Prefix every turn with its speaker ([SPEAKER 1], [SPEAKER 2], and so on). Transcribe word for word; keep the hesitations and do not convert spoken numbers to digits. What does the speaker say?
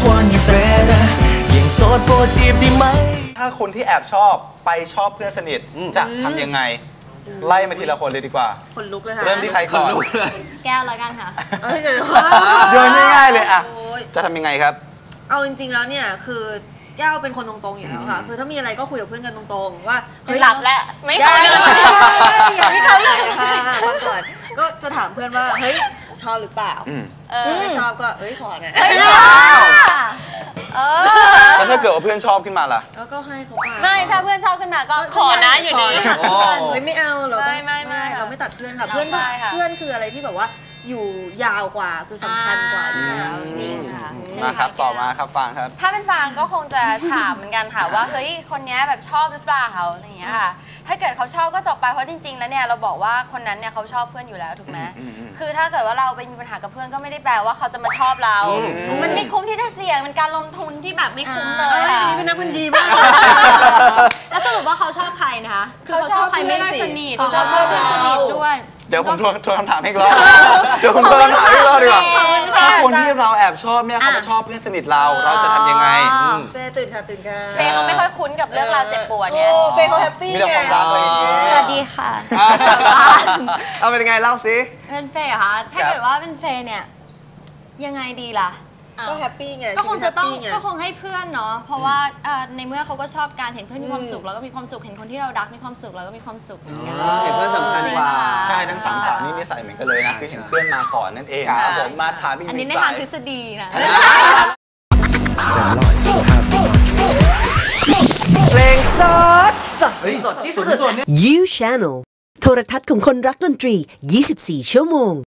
[SPEAKER 1] want you better ยังโสดโปรดจีบได้ไหม
[SPEAKER 2] ถ้าคนที่แอบชอบไปชอบเพื่อนสนิทจะทำยังไงไล่มาทีละคนเลยดีกว่า
[SPEAKER 3] คนลุกเลยค่ะ
[SPEAKER 2] เริ่มที่ใครก่อน
[SPEAKER 4] แก้วแล้วกันค่ะ
[SPEAKER 2] เดินง่ายๆเลยอะจะทำยังไงครับ
[SPEAKER 3] เอาจริงๆแล้วเนี่ยคือแก้วเป็นคนตรงๆอยู่แล้วค่ะคือถ้ามีอะไรก็คุยกับเพื่อนกันตรงๆว่า
[SPEAKER 4] หลับแล้วไม่เขาเลย
[SPEAKER 3] ไม่เขาเลยค่ะมาก่อนก็จะถามเพื่อนว่าเฮ้ยชอบหรือเปล่าไม่ชอบก็เอ้ยขอนะ
[SPEAKER 2] แล้วถ้าเกิดว่าเพื่อนชอบขึ้นมาล่ะ
[SPEAKER 3] ก็ให้เขาไป
[SPEAKER 4] ไม่ถ้าเพื่อนชอบขึ้นมาก็ขอนะอยู่ดี
[SPEAKER 3] ไม่เอาเราต้อง
[SPEAKER 4] ไม่ไม่
[SPEAKER 3] เราไม่ตัดเพื่อนค่ะเพื่อนเพื่อนคืออะไรที่แบบว่าอยู่ยาวกว่าคือสำคัญกว่าอยู่แล้ว
[SPEAKER 4] จริงค่ะ
[SPEAKER 2] มาครับต่อมาครับฟางครับ
[SPEAKER 4] ถ้าเป็นฟางก็คงจะถามเหมือนกันค่ะว่าเฮ้ยคนนี้แบบชอบหรือเปล่าอะไรอย่างเงี้ยค่ะถ้าเกิดเขาชอบก็จบไปเพราะจริงๆแล้วเนี่ยเราบอกว่าคนนั้นเนี่ยเขาชอบเพื่อนอยู่แล้วถูกไหมคือถ้าเกิดว่าเราไปมีปัญหากับเพื่อนก็ไม่ได้แปลว่าเขาจะมาชอบเรามันไม่คุ้มที่จะเสี่ยงเป็นการลงทุนที่แบบไม่คุ้มเลย
[SPEAKER 3] นี่เป็นนักบัญชีบ้าง
[SPEAKER 4] แล้วสรุปว่าเขาชอบใครนะคะคือเขาชอบใครไม่ได้สนิทเขาชอบเพื่อนสนิทด้วย
[SPEAKER 2] เดี๋ยวผมทวนทวนคำถามให้อีกรอบเดี๋ยวผมทวนคำถามให้อีกรอบดีกว่าถ้าคนที่เราแอบชอบเนี่ยเขามาชอบเพื่อนสนิทเราเราจะทำยังไง
[SPEAKER 3] เฟย์ตื่นค่ะตื่นค่ะ
[SPEAKER 4] เฟย์เขาไม่ค่อยคุ้นกับเรื่องราวเจ็บปวดเนี่ย
[SPEAKER 3] เฟย์เขาแฮปปี้
[SPEAKER 2] มีแต่ความรักอะไรอย่างงี้
[SPEAKER 4] สวัสดีค่ะ
[SPEAKER 2] เอาเป็นยังไงเล่าสิ
[SPEAKER 4] เป็นเฟย์เหรอคะถ้าเกิดว่าเป็นเฟย์เนี่ยยังไงดีล่ะ
[SPEAKER 3] ก็แฮปปี้ไง
[SPEAKER 4] ก็คงจะต้องก็คงให้เพื่อนเนาะเพราะว่าในเมื่อเขาก็ชอบการเห็นเพื่อนมีความสุขแล้วก็มีความสุขเห็นคนที่เรารักมีความสุขแล้วก็มีความสุขเหมือนกัน
[SPEAKER 5] เห็นเพื่อนสำคัญกว่า
[SPEAKER 2] ใช่ทั้งสามสาวนี่นิสัยเหมือนกันเลยนะคือเห็นเพื่อนมาก่อนนั่นเองครับผมมาถามอีกนิดอัน
[SPEAKER 4] นี้ในทางทฤษฎีนะ
[SPEAKER 1] เพลงสดสดสดที่สุด You Channel โทรทัศน์ของคนรักดนตรียี่สิบสี่ชั่วโมง